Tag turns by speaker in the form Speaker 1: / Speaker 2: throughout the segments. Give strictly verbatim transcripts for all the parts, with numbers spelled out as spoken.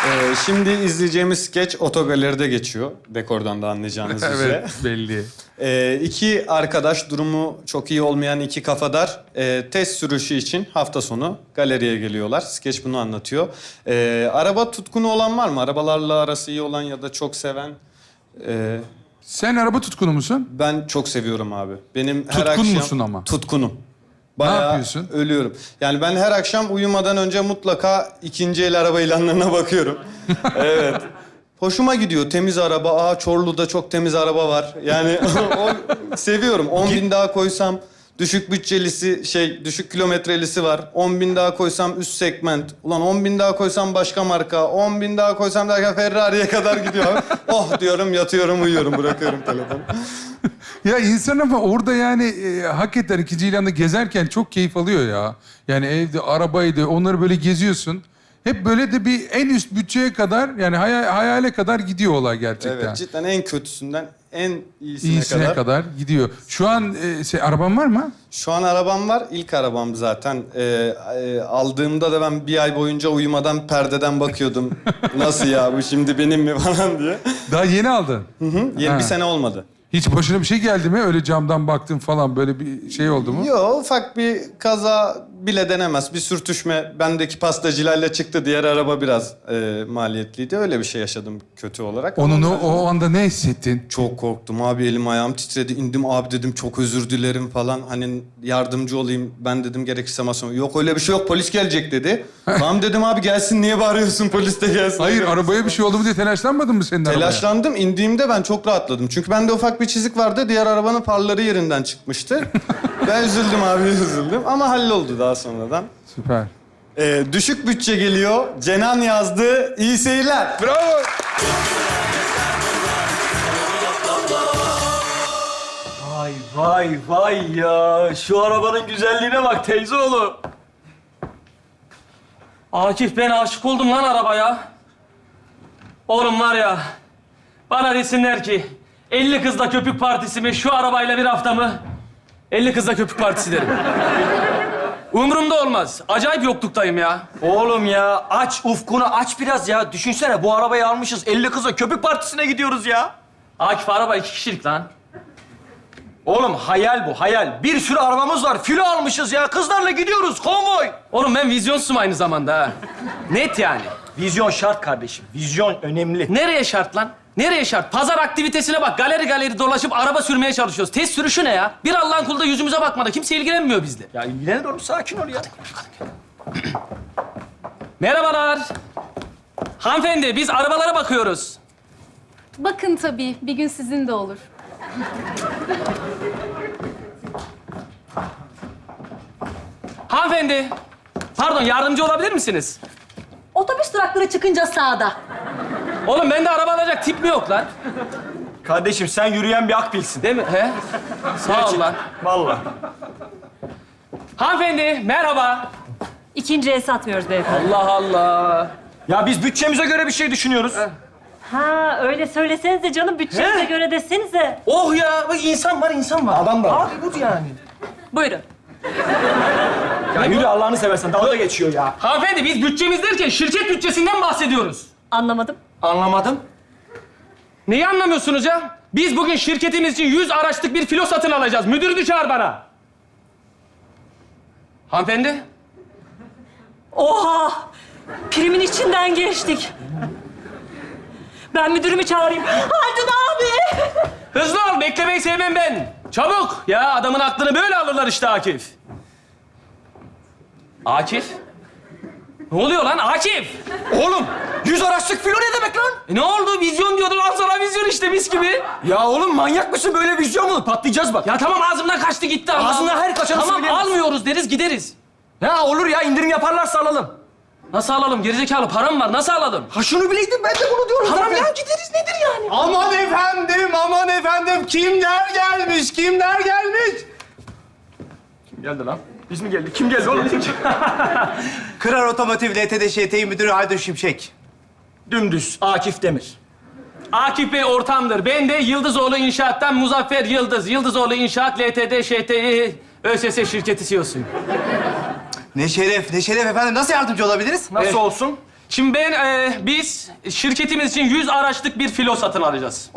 Speaker 1: Ee, şimdi izleyeceğimiz skeç otogaleride geçiyor. Dekordan da anlayacağınız üzere.
Speaker 2: Evet, belli.
Speaker 1: Ee, iki arkadaş, durumu çok iyi olmayan iki kafadar e, test sürüşü için hafta sonu galeriye geliyorlar. Skeç bunu anlatıyor. Ee, araba tutkunu olan var mı? Arabalarla arası iyi olan ya da çok seven? Ee,
Speaker 2: Sen araba tutkunu musun?
Speaker 1: ben çok seviyorum abi. Benim her
Speaker 2: Tutkun
Speaker 1: akşam...
Speaker 2: musun ama?
Speaker 1: Tutkunum. Bayağı
Speaker 2: yapıyorsun?
Speaker 1: ölüyorum. Yani ben her akşam uyumadan önce mutlaka ikinci el araba ilanlarına bakıyorum. Evet. Hoşuma gidiyor. Temiz araba. Aa Çorlu'da çok temiz araba var. Yani o, seviyorum. on bin daha koysam düşük bütçelisi, şey düşük kilometrelisi var. on bin daha koysam üst segment. Ulan on bin daha koysam başka marka. on bin daha koysam derken Ferrari'ye kadar gidiyor. Oh diyorum, yatıyorum, uyuyorum, bırakıyorum telefonu.
Speaker 2: Ya insan ama orada yani e, hakikaten ikinci ilanda gezerken çok keyif alıyor ya. Yani evde, arabaydı, onları böyle geziyorsun. Hep böyle de bir en üst bütçeye kadar, yani hayal, hayale kadar gidiyor olay gerçekten.
Speaker 1: Evet, cidden en kötüsünden en iyisine,
Speaker 2: İyisine
Speaker 1: kadar.
Speaker 2: kadar. gidiyor. Şu an e, şey, araban var mı?
Speaker 1: Şu an arabam var. İlk arabam zaten. Ee, e, aldığımda da ben bir ay boyunca uyumadan perdeden bakıyordum. Nasıl ya bu şimdi benim mi falan diye.
Speaker 2: Daha yeni aldın.
Speaker 1: Hı hı. Yeni
Speaker 2: Ha.
Speaker 1: bir sene olmadı.
Speaker 2: Hiç başına bir şey geldi mi? Öyle camdan baktın falan, böyle bir şey oldu mu?
Speaker 1: Yok, ufak bir kaza bile denemez. Bir sürtüşme bendeki pastacılarla çıktı. Diğer araba biraz e, maliyetliydi. Öyle bir şey yaşadım kötü olarak.
Speaker 2: Onun
Speaker 1: Ama
Speaker 2: o, o anda ne hissettin?
Speaker 1: çok korktum abi, elim ayağım titredi. İndim, abi dedim çok özür dilerim falan. Hani yardımcı olayım ben dedim, gerekirse masama. Yok öyle bir şey yok, polis gelecek dedi. Tamam dedim abi, gelsin, niye bağırıyorsun, polis de gelsin.
Speaker 2: Hayır, arabaya bir şey oldu mu diye telaşlanmadın mı senin arabaya?
Speaker 1: Telaşlandım. İndiğimde ben çok rahatladım. Çünkü bende ufak bir çizik vardı. Diğer arabanın farları yerinden çıkmıştı. Ben üzüldüm abi, üzüldüm. Ama halloldu daha sonradan.
Speaker 2: Süper.
Speaker 1: Ee, düşük bütçe geliyor. Cenan yazdı. İyi seyirler.
Speaker 2: Bravo.
Speaker 3: Vay vay vay ya. Şu arabanın güzelliğine bak teyzeoğlu.
Speaker 4: Akif, ben aşık oldum lan arabaya. Oğlum var ya, bana desinler ki elli kızla köpük partisi mi, şu arabayla bir hafta mı? elli kızla köpük partisi derim. Umurumda olmaz. Acayip yokluktayım ya.
Speaker 3: Oğlum ya aç ufkunu aç biraz ya. Düşünsene bu arabayı almışız. elli kıza köpük partisine gidiyoruz ya.
Speaker 4: Akif, araba iki kişilik lan.
Speaker 3: Oğlum hayal bu hayal. Bir sürü arabamız var. Filo almışız ya. Kızlarla gidiyoruz konvoy.
Speaker 4: Oğlum ben vizyonsuzum aynı zamanda ha. Net yani.
Speaker 3: Vizyon şart kardeşim. Vizyon önemli.
Speaker 4: Nereye şart lan? Nereye şart? Pazar aktivitesine bak. Galeri galeri dolaşıp araba sürmeye çalışıyoruz. Test sürüşü ne ya? Bir Allah'ın kulu da yüzümüze bakmadı. Kimse ilgilenmiyor bizle.
Speaker 3: Ya ilgilenir oğlum, sakin ol ya.
Speaker 4: Merhabalar. Hanımefendi, biz arabalara bakıyoruz.
Speaker 5: Bakın tabii, bir gün sizin de olur.
Speaker 4: Hanımefendi, pardon, yardımcı olabilir misiniz?
Speaker 6: Otobüs durakları çıkınca sağda.
Speaker 4: Oğlum bende araba alacak tip mi yok lan?
Speaker 3: Kardeşim sen yürüyen bir akbilsin.
Speaker 4: Değil mi? He? Sağ ol lan.
Speaker 3: Vallahi.
Speaker 4: Hanımefendi, merhaba.
Speaker 6: İkinci el satmıyoruz beyefendi.
Speaker 4: Allah Allah.
Speaker 3: Ya biz bütçemize göre bir şey düşünüyoruz.
Speaker 6: Ha öyle söylesenize canım, bütçenize
Speaker 4: He?
Speaker 6: göre desenize.
Speaker 4: Oh ya, bak insan var, insan var.
Speaker 3: Adam da var.
Speaker 4: Abi bu yani.
Speaker 6: Buyurun.
Speaker 3: Ya yürü Allah'ını seversen. Dalga geçiyor ya.
Speaker 4: Hanımefendi, biz bütçemiz derken şirket bütçesinden bahsediyoruz.
Speaker 6: Anlamadım.
Speaker 3: Anlamadım.
Speaker 4: Neyi anlamıyorsunuz ya? Biz bugün şirketimiz için yüz araçlık bir filo satın alacağız. Müdürünü çağır bana. Hanımefendi.
Speaker 6: Oha! Primin içinden geçtik. Ben müdürümü çağırayım. Haldun abi!
Speaker 4: Hızlı ol, beklemeyi sevmem ben. Çabuk. Ya adamın aklını böyle alırlar işte Akif. Akif? Ne oluyor lan Akif?
Speaker 3: Oğlum yüz araçlık filo ne demek lan?
Speaker 4: E ne oldu? Vizyon diyordun. Al sana vizyon işte, mis gibi.
Speaker 3: Ya oğlum manyak mısın? Böyle vizyon mu olur? Patlayacağız bak.
Speaker 4: Ya tamam, ağzımdan kaçtı gitti. Allah
Speaker 3: Ağzından
Speaker 4: Allah.
Speaker 3: her kaçanı
Speaker 4: Tamam,
Speaker 3: söyleyemezsin.
Speaker 4: almıyoruz deriz, gideriz.
Speaker 3: Ya olur ya, indirim yaparlarsa alalım.
Speaker 4: Nasıl alalım? Gerizekalı param var. Nasıl alalım?
Speaker 3: Ha şunu bileydim, ben de bunu diyorum.
Speaker 4: Tamam
Speaker 3: zaten.
Speaker 4: ya, gideriz. Nedir yani?
Speaker 7: Aman efendim, aman efendim. Kimler gelmiş, kimler gelmiş?
Speaker 3: Kim geldi lan? Biz mi geldik? Kim geldi oğlum?
Speaker 7: Kırar Otomotiv L T D Ş T Müdürü Haldun Şimşek.
Speaker 3: Dümdüz Akif Demir.
Speaker 4: Akif Bey ortamdır. Ben de Yıldızoğlu İnşaat'tan Muzaffer Yıldız. Yıldızoğlu İnşaat L T D Ş T ÖSS şirketi C E O'suyum.
Speaker 7: Ne şeref, ne şeref efendim. Nasıl yardımcı olabiliriz?
Speaker 3: Nasıl
Speaker 4: Evet.
Speaker 3: olsun?
Speaker 4: Şimdi ben, e, biz şirketimiz için yüz araçlık bir filo satın alacağız.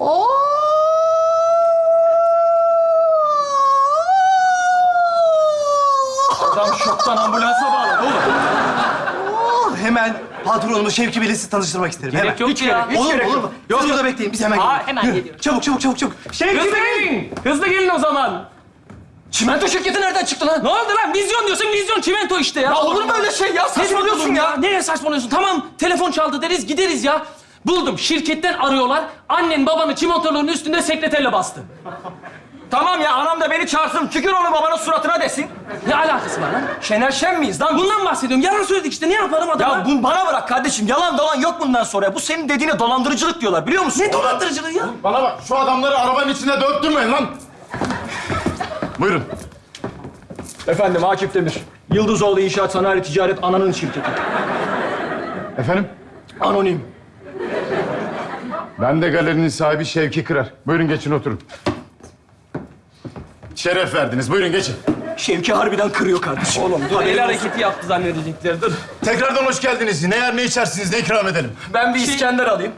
Speaker 3: Adam şoktan ambulansa bağladı oğlum.
Speaker 7: Hemen patronumu Şevki Bey'le sizi tanıştırmak isterim.
Speaker 4: Gerek
Speaker 7: hemen.
Speaker 4: yok ki ya.
Speaker 3: Hiç
Speaker 7: Olur mu?
Speaker 3: gerek
Speaker 7: Olur
Speaker 3: yok.
Speaker 7: mu? Siz burada bekleyin. Biz hemen
Speaker 4: Aa,
Speaker 7: geliyoruz.
Speaker 6: hemen
Speaker 7: Yürü.
Speaker 6: geliyoruz.
Speaker 7: Çabuk çabuk çabuk çabuk. Şevki
Speaker 4: Hızlı
Speaker 7: Bey!
Speaker 4: gelin. Hızlı gelin o zaman.
Speaker 3: Çimento şirketi nereden çıktı lan?
Speaker 4: Ne oldu lan? Vizyon diyorsun, vizyon çimento işte ya.
Speaker 3: Ya olur mu öyle şey ya? Saçmalıyorsun
Speaker 4: Ne
Speaker 3: ya.
Speaker 4: Nereye saçmalıyorsun? Tamam, telefon çaldı deriz, gideriz ya. Buldum, şirketten arıyorlar. Annen babanı çimentoların üstünde sekreterle bastı.
Speaker 3: Tamam ya, anam da beni çağırsın. Tükür onu babanın suratına desin.
Speaker 4: Ne alakası var lan?
Speaker 3: Şener Şen miyiz lan? Bu...
Speaker 4: Bundan bahsediyorum. Yalan söyledik işte. Ne yaparım adama?
Speaker 3: Ya bunu bana bırak kardeşim. Yalan dolan yok bundan sonra. Bu senin dediğine dolandırıcılık diyorlar, biliyor musun?
Speaker 4: Ne dolandırıcılığı ya?
Speaker 8: Bana bak, şu adamları arabanın içine döktürmeyin lan. Buyurun.
Speaker 3: Efendim, Akif Demir. Yıldızoğlu İnşaat Sanayi Ticaret Ana'nın şirketi.
Speaker 8: Efendim?
Speaker 3: Anonim.
Speaker 8: Ben de galerinin sahibi Şevki Kırar. Buyurun geçin oturun. Şeref verdiniz. Buyurun geçin.
Speaker 3: Şevki harbiden kırıyor kardeşim. Oğlum
Speaker 4: Dur, el hareketi yaptı zannedecekler. Dur.
Speaker 8: Tekrardan hoş geldiniz. Ne yer ne içersiniz, ne ikram edelim?
Speaker 3: Ben bir İskender alayım.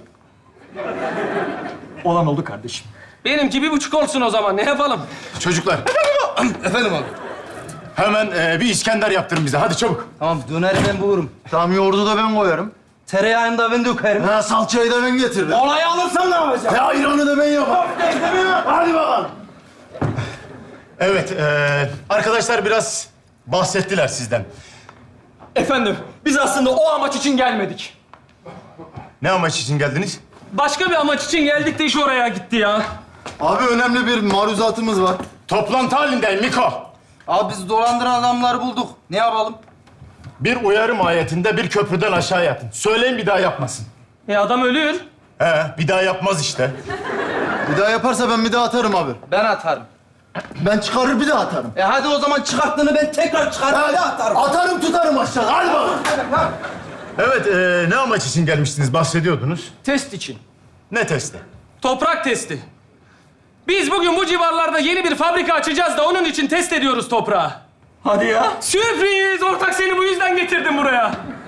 Speaker 3: Olan oldu kardeşim.
Speaker 4: Benimki bir buçuk olsun o zaman. Ne yapalım?
Speaker 8: Çocuklar.
Speaker 7: Efendim abi.
Speaker 8: Hemen e, bir İskender yaptırın bize. Hadi çabuk.
Speaker 7: Tamam, döneri ben bulurum. Tamam, yoğurdu da ben koyarım. Tereyağını da ben dökerim.
Speaker 8: Ha, salçayı da ben getiririm.
Speaker 7: Olayı alırsam ne yapacağım?
Speaker 8: Ya ayranı da ben yaparım. Hadi bakalım. Evet, e, arkadaşlar biraz bahsettiler sizden.
Speaker 3: Efendim, biz aslında o amaç için gelmedik.
Speaker 8: Ne amaç için geldiniz?
Speaker 4: Başka bir amaç için geldik de iş oraya gitti ya.
Speaker 8: Abi önemli bir maruzatımız var. Toplantı halindeyim Miko.
Speaker 7: Abi biz dolandıran adamları bulduk. Ne yapalım?
Speaker 8: Bir uyarı mahiyetinde bir köprüden aşağı yatın. Söyleyin bir daha yapmasın.
Speaker 4: E adam ölür.
Speaker 8: He, bir daha yapmaz işte.
Speaker 9: Bir daha yaparsa ben bir daha atarım abi.
Speaker 7: Ben atarım.
Speaker 9: Ben çıkarır bir daha atarım.
Speaker 7: E hadi o zaman çıkarttığını ben tekrar çıkarıp bir daha atarım.
Speaker 9: Atarım tutarım aşağı. Hadi bakalım.
Speaker 8: Evet, e, ne amaç için gelmiştiniz? Bahsediyordunuz.
Speaker 3: Test için.
Speaker 8: Ne testi?
Speaker 4: Toprak testi. Biz bugün bu civarlarda yeni bir fabrika açacağız da onun için test ediyoruz toprağı.
Speaker 3: Hadi ya.
Speaker 4: Sürpriz! Ortak seni bu yüzden getirdim buraya.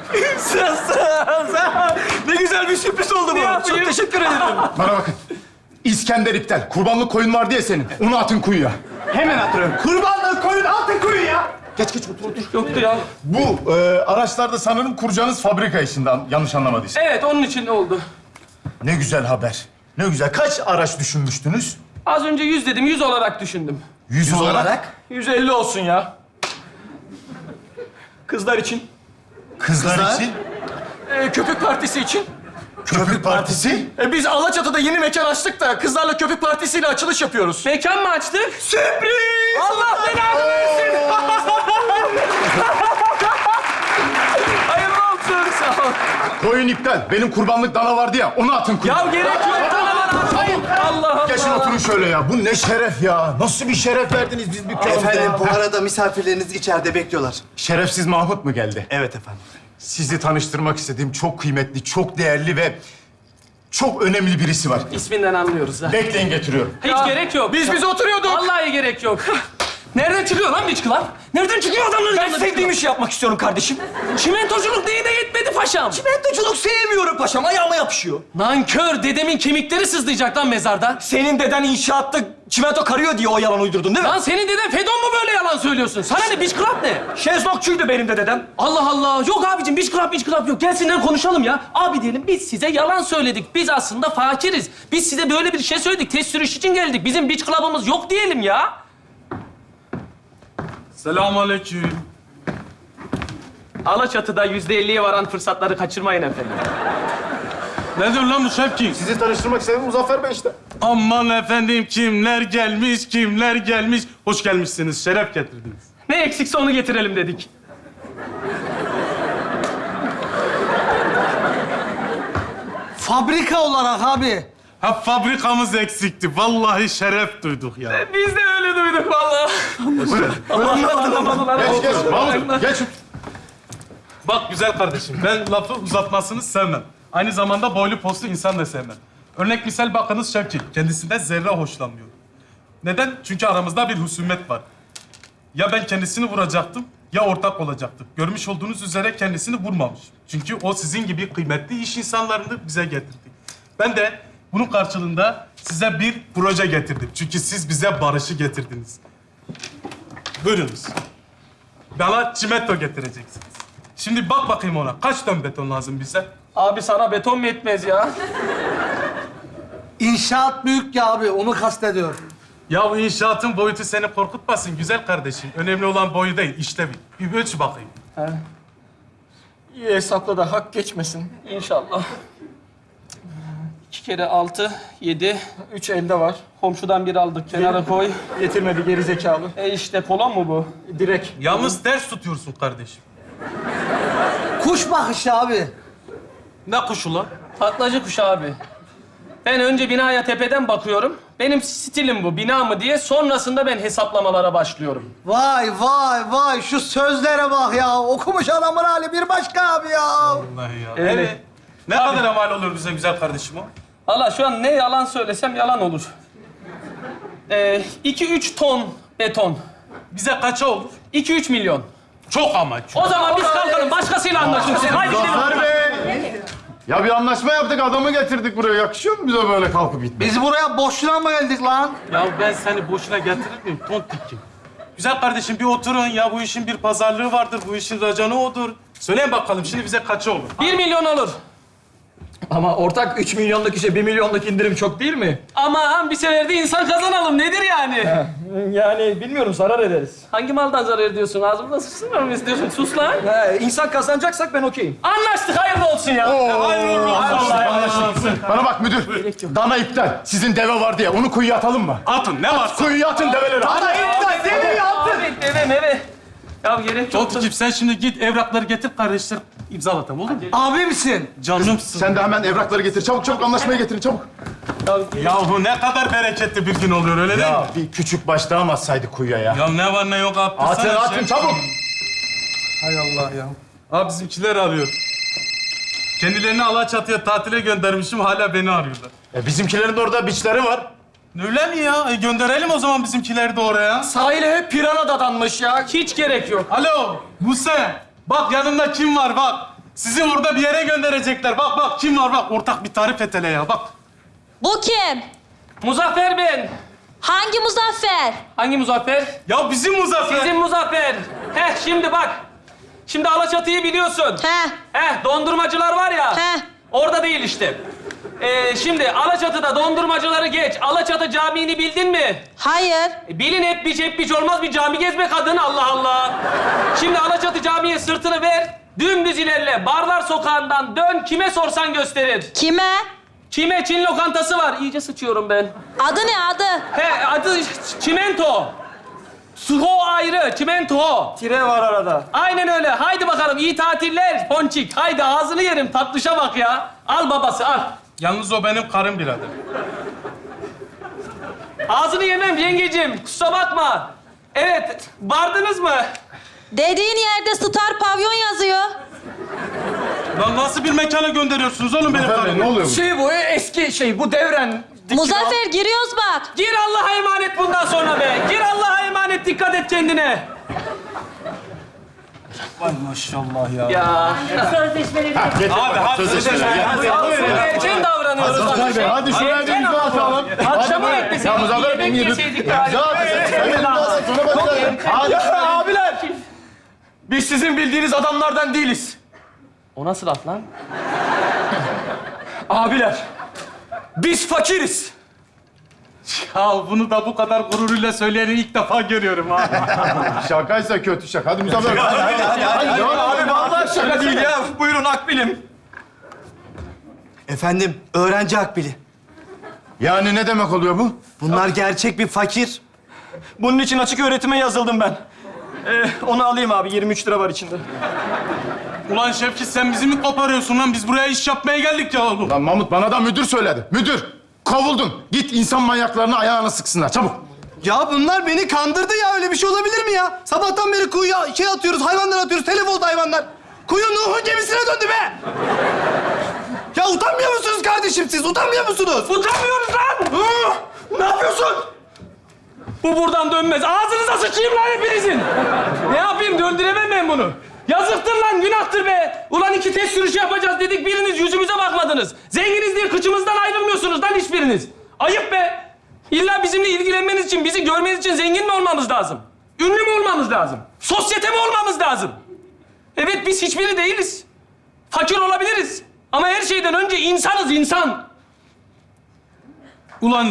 Speaker 3: Ne güzel bir sürpriz oldu bu.
Speaker 4: yapayım?
Speaker 3: Çok teşekkür ederim.
Speaker 8: Bana bakın. İskender iptal. Kurbanlık koyun var diye senin. Onu atın kuyuya.
Speaker 7: Hemen atıyorum. Kurbanlığı koyun altın kuyuya.
Speaker 8: Geç geç otur otur.
Speaker 4: Yoktu ya.
Speaker 8: Bu e, araçlarda sanırım kuracağınız fabrika işinden yanlış anlamadıysam.
Speaker 4: Evet, onun için oldu.
Speaker 8: Ne güzel haber. Ne güzel. Kaç araç düşünmüştünüz?
Speaker 4: Az önce yüz dedim, yüz olarak düşündüm.
Speaker 8: Yüz, olarak.
Speaker 3: yüz elli olsun ya. Kızlar için.
Speaker 8: Kızlar,
Speaker 9: Kızlar?
Speaker 8: için.
Speaker 3: Ee, köpük partisi için.
Speaker 8: Köpük partisi.
Speaker 3: E, biz Alaçatı'da yeni mekan açtık da kızlarla köpük partisiyle açılış yapıyoruz.
Speaker 4: Mekan mı açtık?
Speaker 3: Sürpriz!
Speaker 4: Allah belanı versin! Hayırlı olsun, sağ ol.
Speaker 8: Koyun iptal. Benim kurbanlık dana vardı ya. Onu atın kuyuya.
Speaker 4: Ya gerek yok, tamam atmayın. Allah Allah.
Speaker 8: Geçin oturun şöyle ya. Bu ne şeref ya. Nasıl bir şeref verdiniz biz dükkanımıza
Speaker 9: Efendim
Speaker 8: ya.
Speaker 9: bu arada misafirleriniz içeride bekliyorlar.
Speaker 8: Şerefsiz Mahmut mu geldi?
Speaker 9: Evet efendim.
Speaker 8: Sizi tanıştırmak istediğim çok kıymetli, çok değerli ve çok önemli birisi var.
Speaker 4: İsminden anlıyoruz ha.
Speaker 8: Bekleyin getiriyorum.
Speaker 4: Hiç gerek yok.
Speaker 3: Biz biz oturuyorduk.
Speaker 4: Vallahi gerek yok. Nereden çıkıyor lan Beach Club? Nereden çıkıyor adamların
Speaker 3: Ben
Speaker 4: yanında
Speaker 3: sevdiğim
Speaker 4: Beach
Speaker 3: işi yapmak istiyorum kardeşim.
Speaker 4: Club? Çimentoculuk neyine yetmedi paşam?
Speaker 3: Çimentoculuk sevmiyorum paşam. Ayağıma yapışıyor.
Speaker 4: Nankör, dedemin kemikleri sızlayacak lan mezarda.
Speaker 3: Senin deden inşaatta çimento karıyor diye o yalan uydurdun değil mi?
Speaker 4: Lan senin deden Fedon mu böyle yalan söylüyorsun? Sana ne Beach Club ne?
Speaker 3: Şezlongçuydu benim de dedem.
Speaker 4: Allah Allah. Yok abicim Beach Club, Beach Club yok. Gelsinler konuşalım ya. Abi diyelim biz size yalan söyledik. Biz aslında fakiriz. Biz size böyle bir şey söyledik. Test sürüş için geldik. Bizim Beach Club'ımız yok diyelim ya.
Speaker 10: Selamünaleyküm.
Speaker 4: Alaçatı'da yüzde elliye varan fırsatları kaçırmayın efendim.
Speaker 10: Ne diyor lan bu Şevki?
Speaker 8: Sizi tanıştırmak istedim Muzaffer Bey işte.
Speaker 10: Aman efendim kimler gelmiş, kimler gelmiş. Hoş gelmişsiniz, şeref getirdiniz.
Speaker 4: Ne eksikse onu getirelim dedik.
Speaker 7: Fabrika olarak abi.
Speaker 10: Ha fabrikamız eksikti. Vallahi şeref duyduk ya.
Speaker 4: Biz de öyle duyduk vallahi.
Speaker 8: Geç geç. Mahmut geç.
Speaker 10: Bak güzel kardeşim, ben lafı uzatmasını sevmem. Aynı zamanda boylu postlu insan da sevmem. Örnek misal bakınız Şevki, kendisinden zerre hoşlanmıyor. Neden? Çünkü aramızda bir husumet var. Ya ben kendisini vuracaktım ya ortak olacaktı. Görmüş olduğunuz üzere kendisini vurmamış. Çünkü o sizin gibi kıymetli iş insanlarını bize getirdi. Ben de bunun karşılığında size bir proje getirdim. Çünkü siz bize barışı getirdiniz. Buyurunuz. Bana çimento getireceksiniz. Şimdi bak bakayım ona. Kaç ton beton lazım bize?
Speaker 4: Abi sana beton mu yetmez ya?
Speaker 7: İnşaat büyük ya abi, onu kastediyor.
Speaker 10: Ya bu inşaatın boyutu seni korkutmasın güzel kardeşim. Önemli olan boyu değil, işlevi. Bir ölç bakayım.
Speaker 4: İyi hesapla da hak geçmesin inşallah. İki kere altı, yedi, üç elde var. Komşudan bir aldık, kenara koy. Getirmedi geri zekalı. E işte kolon mu bu? Direkt.
Speaker 10: Yalnız ters tutuyorsun kardeşim.
Speaker 7: Kuş bakışı abi.
Speaker 10: Ne kuşu lan?
Speaker 4: Taklacı kuş abi. Ben önce binaya tepeden bakıyorum. Benim stilim bu, bina mı diye. Sonrasında ben hesaplamalara başlıyorum.
Speaker 7: Vay vay vay, şu sözlere bak ya. Okumuş adamın hali bir başka abi ya.
Speaker 10: Vallahi ya.
Speaker 4: Öyle.
Speaker 10: Evet. Ne kadar mal olur bize güzel kardeşim o?
Speaker 4: Valla şu an ne yalan söylesem yalan olur. Ee, iki üç ton beton.
Speaker 10: Bize kaça olur?
Speaker 4: iki üç milyon.
Speaker 10: Çok ama çok.
Speaker 4: O zaman biz kalkalım, başkasıyla anlaşırız. Haydi gidelim.
Speaker 9: Zafer Bey! Ya bir anlaşma yaptık, adamı getirdik buraya. Yakışıyor mu bize böyle kalkıp gitmek?
Speaker 7: Biz buraya boşuna mı geldik lan?
Speaker 10: Ya ben seni boşuna getirir miyim? Tontikkim. Güzel kardeşim bir oturun ya. Bu işin bir pazarlığı vardır. Bu işin racanı odur. Söyleyin bakalım şimdi bize kaça olur?
Speaker 4: Bir milyon olur.
Speaker 3: Ama ortak üç milyonluk işe bir milyonluk indirim çok değil mi?
Speaker 4: Aman bir sefer de insan kazanalım. Nedir yani?
Speaker 3: Yani bilmiyorum zarar ederiz.
Speaker 4: Hangi maldan zarar ediyorsun? Ağzımda susturma mı istiyorsun? Sus lan.
Speaker 3: He, insan kazanacaksak ben okeyim.
Speaker 4: Anlaştık, hayırlı olsun ya.
Speaker 10: Hayırlı olsun.
Speaker 9: Bana bak müdür, dana iptal. Sizin deve var diye, onu kuyuya atalım mı?
Speaker 10: Atın ne varsa.
Speaker 9: Kuyuya atın develeri. Dana iptal, deveyi atın.
Speaker 4: Abi deve meve. Ya gerek yok.
Speaker 10: Tontikkim sen şimdi git evrakları getir kardeşler imzalatalım olur mu?
Speaker 7: Abi misin?
Speaker 10: Canımsın.
Speaker 9: Sen de hemen evrakları getir. Çabuk çabuk anlaşmayı getirin, çabuk.
Speaker 10: Yahu ne kadar bereketli bir gün oluyor öyle değil mi?
Speaker 9: Ya bir küçük baş daha mı atsaydık kuyuya ya?
Speaker 10: Ya ne var ne yok attırsana.
Speaker 9: Atın atın
Speaker 10: şey.
Speaker 9: çabuk.
Speaker 10: Hay Allah ya. Abi bizimkiler arıyor. Kendilerini Alaçatı'ya tatile göndermişim hala beni arıyorlar.
Speaker 9: E, bizimkilerin de orada biçleri var.
Speaker 10: Öyle mi ya? E, gönderelim o zaman bizimkileri de oraya.
Speaker 3: Sahile hep pirana dadanmış ya.
Speaker 4: Hiç gerek yok.
Speaker 10: Alo Buse. Bak yanında kim var bak. Sizi orada bir yere gönderecekler. Bak bak kim var bak. Ortak bir tarif et hele ya bak.
Speaker 6: Bu kim?
Speaker 4: Muzaffer ben.
Speaker 6: Hangi Muzaffer?
Speaker 4: Hangi Muzaffer?
Speaker 10: Ya bizim Muzaffer.
Speaker 4: Sizin Muzaffer. Heh şimdi bak. Şimdi Alaçatı'yı biliyorsun.
Speaker 6: He.
Speaker 4: Heh dondurmacılar var ya.
Speaker 6: He.
Speaker 4: Orada değil işte. Ee, şimdi Alaçatı'da dondurmacıları geç. Alaçatı Camii'ni bildin mi?
Speaker 6: Hayır.
Speaker 4: E, bilin hep biç hep biç olmaz bir cami gezme kadın Allah Allah. Şimdi Alaçatı Camii'ye sırtını ver. Dümdüz ilerle. Barlar Sokağı'ndan dön. Kime sorsan gösterir.
Speaker 6: Kime?
Speaker 4: Kime? Çin lokantası var. İyice sıçıyorum ben.
Speaker 6: Adı ne adı?
Speaker 4: He adı Ç- Çimento. Suho ayrı. Çimento.
Speaker 3: Tire var arada.
Speaker 4: Aynen öyle. Haydi bakalım iyi tatiller Ponçik. Haydi ağzını yerim. Tatlışa bak ya. Al babası al.
Speaker 10: Yalnız o benim karım birader.
Speaker 4: Ağzını yemem yengecim. Kusura bakma. Evet. Vardınız mı?
Speaker 6: Dediğin yerde Star Pavyon yazıyor.
Speaker 10: Lan nasıl bir mekana gönderiyorsunuz oğlum benim
Speaker 9: Zafer Bey,
Speaker 10: karımı?
Speaker 9: ne oluyor bu?
Speaker 3: Şey bu eski şey bu devren.
Speaker 6: Muzaffer giriyoruz bak.
Speaker 4: Gir Allah'a emanet bundan sonra be. Gir Allah'a emanet. Dikkat et kendine.
Speaker 10: Vay maşallah ya.
Speaker 4: Ya.
Speaker 6: Sözleşmeleri.
Speaker 9: Getir
Speaker 10: Abi,
Speaker 9: bakalım,
Speaker 10: hadi
Speaker 9: sözleşmeleri.
Speaker 10: sözleşmeleri.
Speaker 9: Gel.
Speaker 4: Abi, abi, erken davranıyoruz.
Speaker 9: Zafer Bey, hadi şuraya bir imza atalım.
Speaker 4: Akşama bekleseydik.
Speaker 9: Ya Muzaffer Bey,
Speaker 4: yemek
Speaker 9: bir-
Speaker 4: yeseydik
Speaker 9: İmza
Speaker 4: daha.
Speaker 9: atın. Hemen imza atın, sonra bakacağız. Hadi.
Speaker 3: Abiler. Biz sizin bildiğiniz adamlardan değiliz.
Speaker 4: O nasıl laf lan?
Speaker 3: Abiler. Biz fakiriz.
Speaker 10: Ya bunu da bu kadar gururuyla söyleyeni ilk defa görüyorum ha.
Speaker 9: Şakaysa kötü şaka. Hadi Muzaffer Bey. Hadi, hadi, hadi.
Speaker 3: Abi vallahi şaka değil ya. Buyurun Akbil'im.
Speaker 7: Efendim, öğrenci akbili.
Speaker 9: Yani ne demek oluyor bu?
Speaker 7: Bunlar gerçek bir fakir.
Speaker 3: Bunun için açık öğretime yazıldım ben. Ee, onu alayım abi. yirmi üç lira var içinde.
Speaker 10: Ulan Şevki sen bizi mi koparıyorsun lan? Biz buraya iş yapmaya geldik ya oğlum.
Speaker 9: Lan Mahmut, bana da müdür söyledi. Müdür, kovuldun. Git insan manyaklarını ayağına sıksınlar. Çabuk.
Speaker 7: Ya bunlar beni kandırdı ya. Öyle bir şey olabilir mi ya? Sabahtan beri kuyuya şey atıyoruz, hayvanlar atıyoruz. Telef oldu hayvanlar. Kuyu Nuh'un gemisine döndü be. Ya utanmıyor musunuz kardeşim siz? Utanmıyor musunuz?
Speaker 4: Utanmıyoruz lan!
Speaker 7: Hı? Ne yapıyorsun?
Speaker 4: Bu buradan dönmez. Ağzınıza sıçayım lan hepinizin. Ne yapayım? Döndüremem ben bunu. Yazıktır lan, günahtır be. Ulan iki test sürüşü yapacağız dedik, biriniz yüzümüze bakmadınız. Zenginiz diye kıçımızdan ayrılmıyorsunuz lan hiçbiriniz. Ayıp be. İlla bizimle ilgilenmeniz için, bizi görmeniz için zengin mi olmamız lazım? Ünlü mü olmamız lazım? Sosyete mi olmamız lazım? Evet, biz hiçbiri değiliz. Fakir olabiliriz. Ama her şeyden önce insanız, insan.
Speaker 10: Ulan...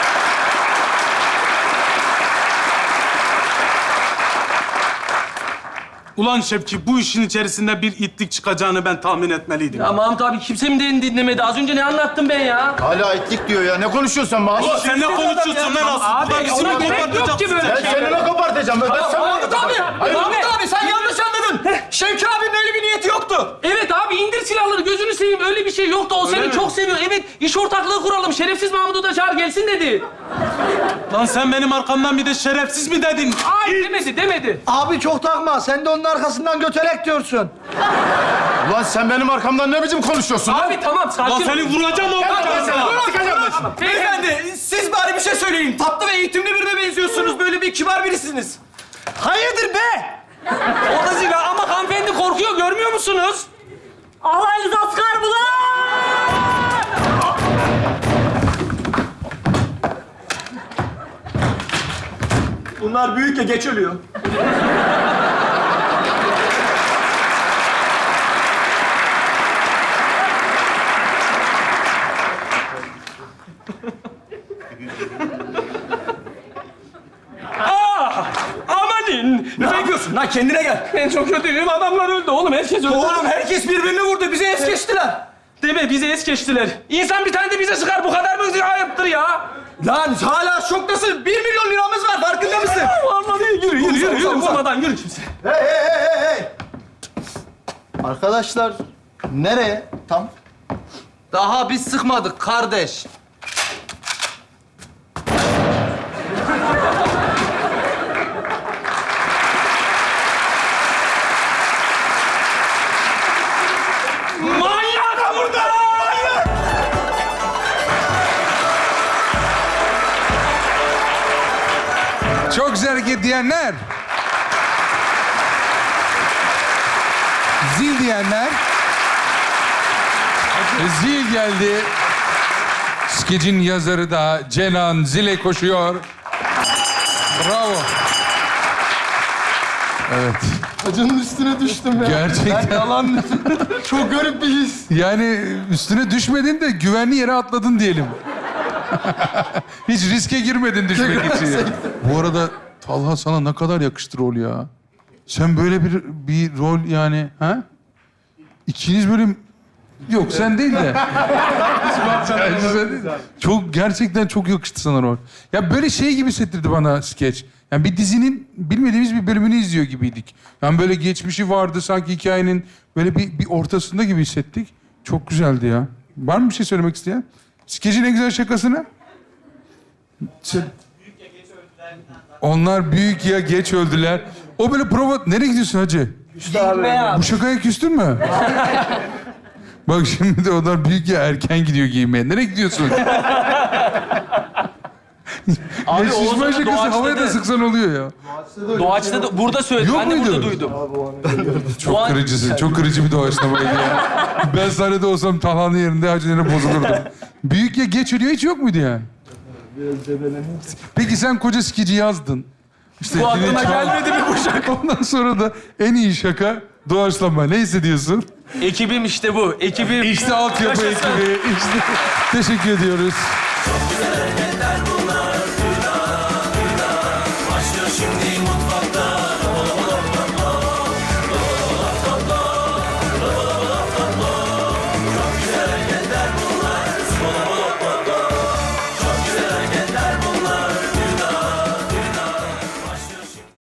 Speaker 10: Ulan Şevki, bu işin içerisinde bir itlik çıkacağını ben tahmin etmeliydim.
Speaker 4: Ya Mahmut abi kimse mi dedin dinlemedi? Az önce ne anlattım ben ya?
Speaker 9: Hala itlik diyor ya. Ne konuşuyorsun sen bana?
Speaker 10: Ulan sen ne konuşuyorsun lan asıl?
Speaker 4: Abi,
Speaker 10: Burada bizi
Speaker 4: ona
Speaker 10: mi
Speaker 4: gerek yok ki
Speaker 10: kopartacaksın?
Speaker 4: böyle
Speaker 9: Ben
Speaker 4: şey.
Speaker 9: seni ne kopartacağım? Ben, ben sen
Speaker 4: Mahmut abi! Mahmut abi sen yanlış anladın.
Speaker 3: Şevki abinin öyle bir niyeti yoktu.
Speaker 4: Evet abi, indir silahları, gözünü seveyim. Öyle bir şey yoktu. O seni
Speaker 10: mi?
Speaker 4: çok seviyor. Evet, iş ortaklığı kuralım. Şerefsiz Mahmut'u da çağır gelsin dedi.
Speaker 10: Lan sen benim arkamdan bir de şerefsiz mi dedin?
Speaker 4: Ay demedi, demedi.
Speaker 7: Abi çok takma. Sen de onun arkasından götelek diyorsun.
Speaker 9: Ulan sen benim arkamdan ne biçim konuşuyorsun lan?
Speaker 4: Abi tamam, sakin
Speaker 10: Lan
Speaker 4: ol.
Speaker 10: seni vuracağım o
Speaker 9: Sıkacağım ben seni.
Speaker 3: Beyefendi, siz bari bir şey söyleyin. Tatlı ve eğitimli birine benziyorsunuz. Böyle bir kibar birisiniz.
Speaker 7: Hayırdır be?
Speaker 4: O da zira ama hanımefendi korkuyor, görmüyor musunuz?
Speaker 6: Alaylı asker bulan!
Speaker 3: Bunlar büyük ya, geç ölüyor.
Speaker 4: Ah! Amanin!
Speaker 3: Ne yapıyorsun lan? Kendine gel.
Speaker 4: Ben çok kötüyüm. Adamlar öldü oğlum. Herkes öldü.
Speaker 3: Oğlum herkes birbirini vurdu. Bizi es geçtiler.
Speaker 4: Deme, bizi es geçtiler. İnsan bir tane de bize sıkar. Bu kadar mı ayıptır ya?
Speaker 3: Lan hala şoktasın. Bir milyon liramız var. Farkında mısın?
Speaker 4: Vallahi yürü, yürü, yürü, yürü. Uzamadan yürü kimse.
Speaker 8: Hey hey hey hey hey! Arkadaşlar nereye tam?
Speaker 3: Daha biz sıkmadık kardeş.
Speaker 4: Manyak burada! Manyak!
Speaker 2: Çok güzel hareket diyenler. Zil diyenler. E, Zil geldi. Skecin yazarı da Cenan zile koşuyor. Bravo. Evet.
Speaker 9: Acının üstüne düştüm ya.
Speaker 2: Gerçekten.
Speaker 9: Ben yalan... Çok garip bir his.
Speaker 2: Yani üstüne düşmedin de güvenli yere atladın diyelim. Hiç riske girmedin düşmek için. Bu arada Talha sana ne kadar yakıştı rol ya. Sen böyle bir bir rol yani ha? İkiniz böyle yok sen değil de. Sen değil de. Çok gerçekten çok yakıştı sana rol. Ya böyle şey gibi hissettirdi bana skeç. Yani bir dizinin bilmediğimiz bir bölümünü izliyor gibiydik. Yani böyle geçmişi vardı sanki hikayenin böyle bir, bir ortasında gibi hissettik. Çok güzeldi ya. Var mı bir şey söylemek isteyen? Skecin en güzel şakasını? Sen... Onlar büyük ya geç öldüler. O böyle prova... Nereye gidiyorsun hacı? Bu şakaya küstün mü? Bak şimdi de onlar büyük ya erken gidiyor giymeye. Nereye gidiyorsun?
Speaker 4: Abi
Speaker 2: ya şişman
Speaker 4: Oğuzhan'ın
Speaker 2: şakası havaya da
Speaker 4: doğaçladı.
Speaker 2: sıksan oluyor ya.
Speaker 4: Doğaçta da burada söyledi.
Speaker 2: Yok
Speaker 4: Ben de
Speaker 2: muydu?
Speaker 4: burada duydum.
Speaker 2: Çok
Speaker 4: Doğaç-
Speaker 2: kırıcısın. Çok kırıcı bir doğaçlamaydı ya. Ben sahnede olsam Talha'nın yerinde hacılarına bozulurdum. Büyük ya geç ölüyor hiç yok muydu yani? Peki sen koca skici yazdın. İşte
Speaker 4: Bu aklıma
Speaker 2: yine çal-
Speaker 4: gelmedi mi bu şaka?
Speaker 2: Ondan sonra da en iyi şaka doğaçlama. Ne hissediyorsun?
Speaker 4: Ekibim işte bu. Ekibim.
Speaker 2: İşte altyapı
Speaker 4: Yaşasın.
Speaker 2: ekibi. İşte. Teşekkür ediyoruz.